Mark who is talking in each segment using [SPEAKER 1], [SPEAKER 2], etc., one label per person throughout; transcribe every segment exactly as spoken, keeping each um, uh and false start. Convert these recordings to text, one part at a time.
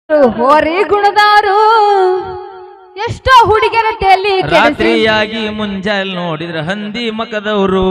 [SPEAKER 1] ಹೋರಿ ಗುಣದಾರು ಎಷ್ಟೋ ಹುಡುಗಿಯರ ತಲೆ
[SPEAKER 2] ರಾತ್ರಿಯಾಗಿ ಮುಂಜಾನೆ ನೋಡಿದ್ರ ಹಂದಿ ಮಕದವರು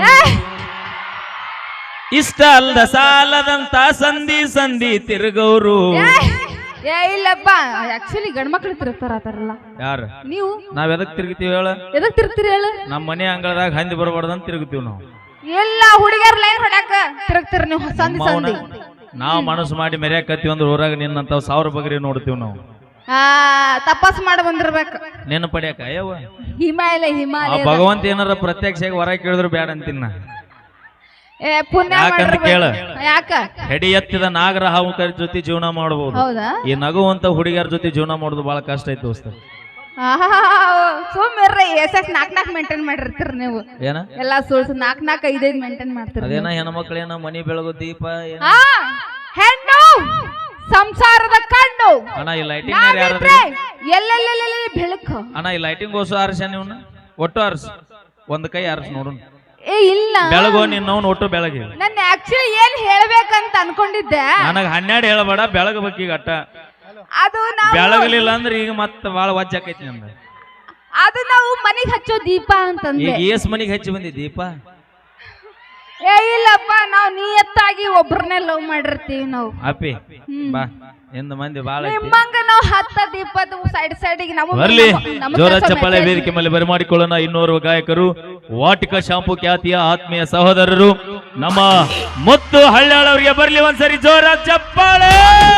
[SPEAKER 2] ಇಷ್ಟ ಅಲ್ದ ಸಾಲದಂತ ಸಂಧಿ ಸಂಧಿ ತಿರುಗವ್ರು.
[SPEAKER 1] ಏ ಇಲ್ಲಪ್ಪ, ಆಕ್ಚುಲಿ ಗಂಡ್ ಮಕ್ಳು ತಿರುಗ್ತಾರ ಆತಾರಲ್ಲ.
[SPEAKER 2] ಯಾರು
[SPEAKER 1] ನೀವು?
[SPEAKER 2] ನಾವ್ ಎದಕ್ ತಿರುಗ್ತೀವಿ ಹೇಳ?
[SPEAKER 1] ಎದಕ್ ತಿರುಗ್ತೀರಿ ಹೇಳ?
[SPEAKER 2] ನಮ್ಮ ಮನೆ ಅಂಗಳದಾಗ ಹಂದಿ ಬರಬಾರ್ದಂತ ತಿರುಗ್ತೀವಿ ನಾವು.
[SPEAKER 1] ಎಲ್ಲ ಹುಡುಗಿಯರ ಲೈನ್ ಹೊಡ್ಯಾಕ ತಿರುಗ್ತೀರಿ ನೀವು ಸಂಧಿ ಸಂಧಿ.
[SPEAKER 2] ನಾವ್ ಮನಸ್ಸು ಮಾಡಿ ಮೆರ್ಯಾಕತ್ತೀವಿ ಅಂದ್ರೆ ಊರಾಗ ನಿನ್ನಂತಾವ್ ಸಾವಿರ ಬಗ್ರಿ ನೋಡ್ತೀವಿ ನಾವು.
[SPEAKER 1] ಆ ತಪಾಸ್ ಮಾಡಿ ಬಂದಿರ್ಬೇಕು
[SPEAKER 2] ನೆನ ಪಡ್ಯಾಕ ಅಯ್ಯವ
[SPEAKER 1] ಹಿಮಾಲಯ ಹಿಮಾಲಯ
[SPEAKER 2] ಭಗವಂತ ಏನಾರ ಪ್ರತ್ಯಕ್ಷ ಹೊರ ಕೇಳಿದ್ರು ಬ್ಯಾಡ ಅಂತಿನ್ನ.
[SPEAKER 1] ಏ ಪುಣ್ಯ
[SPEAKER 2] ಯಾಕಂತ ಕೇಳ,
[SPEAKER 1] ಯಾಕ
[SPEAKER 2] ಹೆಡಿ ಎತ್ತಿದ ನಾಗರ ಹಾವುಕರ ಜೊತೆ ಜೀವನ ಮಾಡಬಹುದು.
[SPEAKER 1] ಹೌದಾ?
[SPEAKER 2] ಈ ನಗುವಂತ ಹುಡುಗಿಯರ ಜೊತೆ ಜೀವನ ಮಾಡೋದು ಬಹಳ ಕಷ್ಟ ಐತಿ ದೋಸ್ತ.
[SPEAKER 1] ಸುಮ್ಮಿರ್ರಿ ಎಸ್ ಎಸ್ ನಾಕ್ ನಾಕ್ ಮೇಂಟೈನ್ ಮಾಡಿರ್ತೀರಿ ನೀವು.
[SPEAKER 2] ಏನ
[SPEAKER 1] ಎಲ್ಲಾ ಸುಳ್ಸು ನಾಕ್ ನಾಕ್ ಐದೈದ್ ಮೇಂಟೈನ್ ಮಾಡ್ತೀರಿ.
[SPEAKER 2] ಅದೇನ ಹೆಣ್ಮಕ್ಳೇನ ಮನಿ ಬೆಳಗು ದೀಪ
[SPEAKER 1] ಹೆಣ್ಣು ಸಂಸಾರದ ಕಣ್ಣು.
[SPEAKER 2] ಅಣ್ಣ ಈ ಲೈಟಿಂಗ್
[SPEAKER 1] ಎಲ್ಲೆಲ್ಲೆಲ್ಲೆಲ್ಲಿ ಬೆಳಕು.
[SPEAKER 2] ಅಣ್ಣ ಈ ಲೈಟಿಂಗ್ ಓಸು ಆರ್ಸ ನೀವು ಒಟ್ಟು ಆರ್ಸ ಒಂದ್ ಕೈ ಆರ್ಸ ನೋಡು.
[SPEAKER 1] ಏ ಇಲ್ಲ
[SPEAKER 2] ಬೆಳಗೋ ನಿನ್ನವನ್ ಒಟ್ಟು ಬೆಳಗ್ಗೆ.
[SPEAKER 1] ನನ್ನ ಆಕ್ಚುಲಿ ಏನ್ ಹೇಳ್ಬೇಕಂತ ಅನ್ಕೊಂಡಿದ್ದೆ.
[SPEAKER 2] ನನಗ ಹನ್ನೆರಡು ಹೇಳಬೇಡ, ಬೆಳಗಬೇಕು ಈಗ ಅಟ್ಟ.
[SPEAKER 1] ಅದು
[SPEAKER 2] ಬೆಳಗಲಿಲ್ಲ ಅಂದ್ರೆ ಈಗ ಮತ್ತ ಬಾಳ ವಜ್ಜ ಆಕೈತಿ ನಂದ.
[SPEAKER 1] ಅದು ನಾವು ಮನಿಗ್ ಹಚ್ಚೋ ದೀಪ ಅಂತಂದ್ರೆ
[SPEAKER 2] ಈಗ ಏಸ್ ಮನಿಗೆ ಹಚ್ಚಿ ಬಂದಿ ದೀಪ?
[SPEAKER 1] ಏ ಇಲ್ಲಪ್ಪ, ನಾವ್ ನಿಯತ್ತಾಗಿ ಒಬ್ರನ್ನೇ ಲವ್ ಮಾಡಿರ್ತೀವಿ ನಾವು.
[SPEAKER 2] ಅಪ್ಪಿ ಬಾ, ಎಂದ ಮಂದಿ ಬಾಳ
[SPEAKER 1] ನಿಮ್ಮಂಗ ನಾವು ಹತ್ತ ದೀಪದ ಸೈಡ್ ಸೈಡಿಗೆ ನಾವು
[SPEAKER 2] ಬರ್ಲಿ. ಜೋರ ಚಪ್ಪಾಳೆ ವೇದಿಕೆ ಮೇಲೆ ಬರಮಾಡಿಕೊಳ್ಳೋಣ ಇನ್ನೋರ್ವ ಗಾಯಕರು, ವಾಟಿಕ ಶಾಂಪು ಖ್ಯಾತಿಯ ಆತ್ಮೀಯ ಸಹೋದರರು ನಮ್ಮ ಮುತ್ತು ಹಳ್ಯಾಳ್ ಅವರಿಗೆ ಬರ್ಲಿ ಒಂದ್ಸರಿ ಜೋರ ಚಪ್ಪಾಳೆ.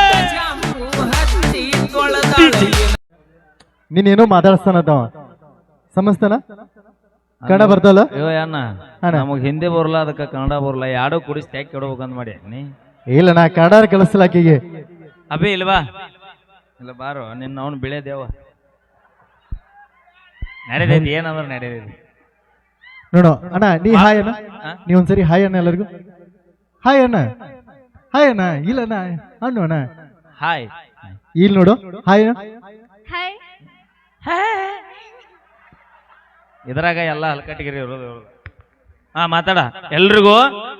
[SPEAKER 3] ನೀನೇನೋ ಮಾತಾಡ್ತಾನದವ ಸಮಸ್ತಾನ ಕನ್ನಡ ಬರ್ತಲ್ಲ?
[SPEAKER 2] ಅಯ್ಯೋ ಅಣ್ಣ, ನಮಗ್ ಹಿಂದಿ ಬರಲ್ಲ, ಅದಕ್ಕ ಕನ್ನಡ ಬರಲ್ಲ, ಯಾಡೋ ಕುಡಿಸಿ ಟ್ಯಾಕ್ ಕೆಡಬೇಕಂತ ಮಾಡಿ ನೀ.
[SPEAKER 3] ಇಲ್ಲ, ನಾ ಕನ್ನಡ ಕಲಿಸ್ಲಾಕಿಗೆ.
[SPEAKER 2] ಅಭಿ ಇಲ್ವಾ? ಇಲ್ಲ ಬಾರೋ, ನಿನ್ನ ಅವನು ಬಿಳೆ ದೇವ ನಡೆದೈತಿ. ಏನಂದ್ರೆ ನಡೆದೈತಿ
[SPEAKER 3] ನೋಡು ಅಣ್ಣ, ನೀ ಹಾಯ್ ಅಣ್ಣ, ನೀ ಒಂದ್ಸರಿ ಹಾಯ್ ಅಣ್ಣ ಎಲ್ಲರಿಗೂ. ಹಾಯ್ ಅಣ್ಣ, ಹಾಯ್ ಅಣ್ಣ. ಇಲ್ಲ ಅಣ್ಣ ಅಣ್ಣು ಅಣ್ಣ
[SPEAKER 2] ಹಾಯ್.
[SPEAKER 3] ಇಲ್ಲಿ ನೋಡು, ಹಾಯ್ ಅಣ್ಣ.
[SPEAKER 2] ಇದ್ರಾಗ ಎಲ್ಲ ಹಲ್ಕಟ್ಟಿಗಿರಿ ಇರೋದು. ಹಾ ಮಾತಾಡ. ಎಲ್ರಿಗೂ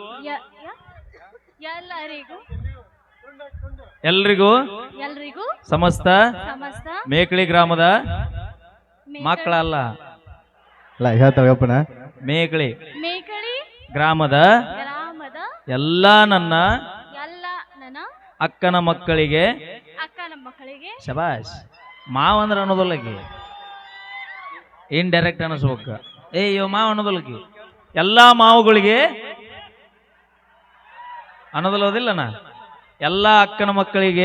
[SPEAKER 2] ಎಲ್ರಿಗೂ
[SPEAKER 4] ಎಲ್ರಿಗೂ
[SPEAKER 2] ಸಮಸ್ತ ಮೇಕಳಿ ಗ್ರಾಮದ ಮಕ್ಕಳಲ್ಲ,
[SPEAKER 3] ಅಲ್ಲ ಹೇಳ್ತಾಳಪ್ಪಣ.
[SPEAKER 2] ಮೇಕಳಿ
[SPEAKER 4] ಮೇಕಳಿ
[SPEAKER 2] ಗ್ರಾಮದ
[SPEAKER 4] ಗ್ರಾಮದ
[SPEAKER 2] ಎಲ್ಲಾ ನನ್ನ
[SPEAKER 4] ಎಲ್ಲ ನನ್ನ
[SPEAKER 2] ಅಕ್ಕನ ಮಕ್ಕಳಿಗೆ
[SPEAKER 4] ಅಕ್ಕನ ಮಕ್ಕಳಿಗೆ
[SPEAKER 2] ಶಬಾಷ್. ಮಾವ ಅಂದ್ರೆ ಅನ್ನೋದಲ್ಲಕಿ, ಇನ್ ಡೈರೆಕ್ಟ್ ಅನಿಸ್ಬೇಕ. ಏ ಇವ ಮಾವ ಅನ್ನೋದಲ್ಲಕಿ, ಎಲ್ಲಾ ಮಾವುಗಳಿಗೆ ಅನ್ನೋದಲ್ಲೋದಿಲ್ಲನ. ಎಲ್ಲಾ ಅಕ್ಕನ ಮಕ್ಕಳಿಗೆ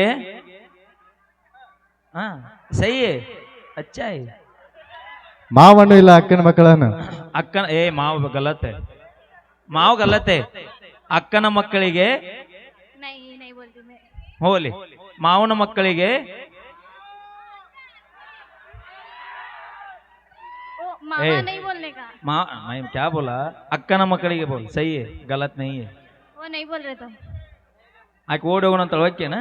[SPEAKER 2] ಹಾ ಸೈ ಅಚ್ಚಾಯ್.
[SPEAKER 3] ಮಾವಣ್ಣು ಇಲ್ಲ ಅಕ್ಕನ ಮಕ್ಕಳನ್ನು.
[SPEAKER 2] ಅಕ್ಕನ ಏ ಮಾವ ಗಲತೆ, ಮಾವ ಗಲತೆ. ಅಕ್ಕನ ಮಕ್ಕಳಿಗೆ
[SPEAKER 4] ನೈ ನೈ ಬೋಲ್ತೀನಿ.
[SPEAKER 2] ಹೋಲಿ. ಮಾವನ ಮಕ್ಕಳಿಗೆ
[SPEAKER 4] मामा नहीं बोलने का.
[SPEAKER 2] माँ मैं क्या बोला? अक्कन मಕ್ಕಳಿಗೆ बोल. सही है, गलत नहीं है.
[SPEAKER 4] वो नहीं बोल रहे तुम.
[SPEAKER 2] ಆಕೆ ಓಡಿ ಹೋಗೋಣ ಅಂತ ಓಕೆನಾ?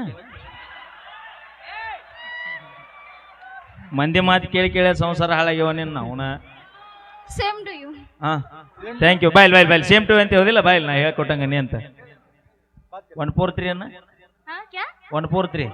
[SPEAKER 2] ಮಂದಿ ಮಾತು ಕೇಳಿ ಕೇಳಿ ಸಂಸಾರ ಹಾಳಾಗ್ಯವ ನಿನ್ನ ಅವನ.
[SPEAKER 4] Same to you.
[SPEAKER 2] ಹಾ thank you. Bye bye bye. Same to ಅಂತ ಹೋದಿಲ್ಲ ಬಾಯ್, ನಾ ಹೇಳ್ಕೊಟ್ಟಂಗ ನೀ ಅಂತ. ಒನ್ ಫೋರ್ ತ್ರೀ ಅನ್ನ
[SPEAKER 4] ಹಾ ಕ್ಯಾ
[SPEAKER 2] ಒನ್ ಫೋರ್ ತ್ರೀ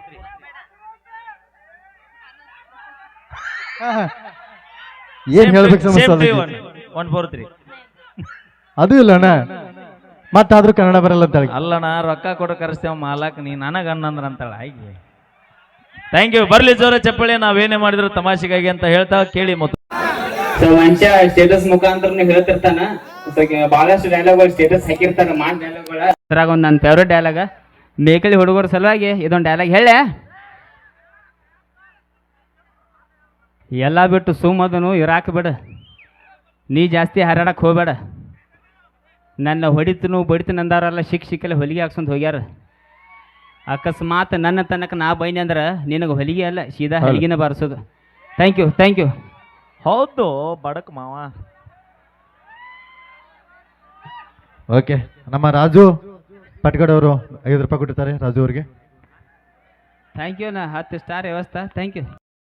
[SPEAKER 3] ಏನ್ ಹೇಳ್ಬೇಕು ಸಮಸ್ಯೆ?
[SPEAKER 2] ಒನ್ ಫೋರ್ ತ್ರೀ
[SPEAKER 3] ಅದು ಇಲ್ಲ ಅಣ್ಣ, ಮತ್ತಾದ್ರೂ ಕನ್ನಡ ಬರಲ್ಲ ಅಂತ.
[SPEAKER 2] ಅಲ್ಲಣ್ಣ, ರೊಕ್ಕ ಕೊಡು ಕರೆಸ್ತೇವ ಮಾಲಕ್, ನೀ ನನಗ ಅನ್ನಂದ್ರ ಅಂತಾಳ. ಹಾಗೆ ಥ್ಯಾಂಕ್ ಯು. ಬರ್ಲಿ ಜೋರ ಚಪ್ಪಳಿ. ನಾವೇನೇ ಮಾಡಿದ್ರು ತಮಾಷೆಗಾಗಿ ಅಂತ ಹೇಳ್ತಾ ಕೇಳಿ. ಮತ್ತು
[SPEAKER 5] ಮನುಷ್ಯ ಸ್ಟೇಟಸ್ ಮುಖಾಂತರ ಹೇಳ್ತಿರ್ತಾನ, ಬಹಳಷ್ಟು ಡೈಲಾಗ್ ಸ್ಟೇಟಸ್ ಹಾಕಿರ್ತಾರ, ಮಾಡ್ ಡೈಲಾಗ್ಗಳ. ಅದ್ರಾಗ ಒಂದ್ ನನ್ನ ಫೇವ್ರೇಟ್ ಡೈಲಾಗ, ಮೇಕಳಿ ಹುಡುಗರ ಸಲುವಾಗಿ ಇದೊಂದು ಡೈಲಾಗ್ ಹೇಳ. ಎಲ್ಲ ಬಿಟ್ಟು ಸುಮ್ಮದನು ಇರಾಕ ಬೇಡ, ನೀ ಜಾಸ್ತಿ ಹಾರಾಡಕ್ ಹೋಗ್ಬೇಡ. ನನ್ನ ಹೊಡಿತನು ಬಡಿತನು ಅಂದಾರಲ್ಲ, ಶಿಕ್ ಶಿಕ್ಕಲ್ಲಿ ಹೊಲಿಗೆ ಹಾಕ್ಸೊಂದು ಹೋಗ್ಯಾರ. ಅಕಸ್ಮಾತ್ ನನ್ನ ತನಕ ನಾ ಬೈನಿ ಅಂದ್ರೆ ನಿನಗೆ ಹೊಲಿಗೆ ಅಲ್ಲ, ಸೀದಾ ಹೊಲಿಗೆನ ಬಾರಿಸೋದು. Thank you thank you.
[SPEAKER 2] ಹೌದು ಬಡಕ್ ಮಾವ.
[SPEAKER 3] ಓಕೆ, ನಮ್ಮ ರಾಜು ಪಟ್ಗಡ್ ಅವರು ಐದು ರೂಪಾಯಿ ಕೊಟ್ಟಿರ್ತಾರೆ ರಾಜು ಅವ್ರಿಗೆ.
[SPEAKER 5] Thank you. ನಾ ಹತ್ತು ಸ್ಟಾರ್ ವ್ಯವಸ್ಥೆ. Thank you.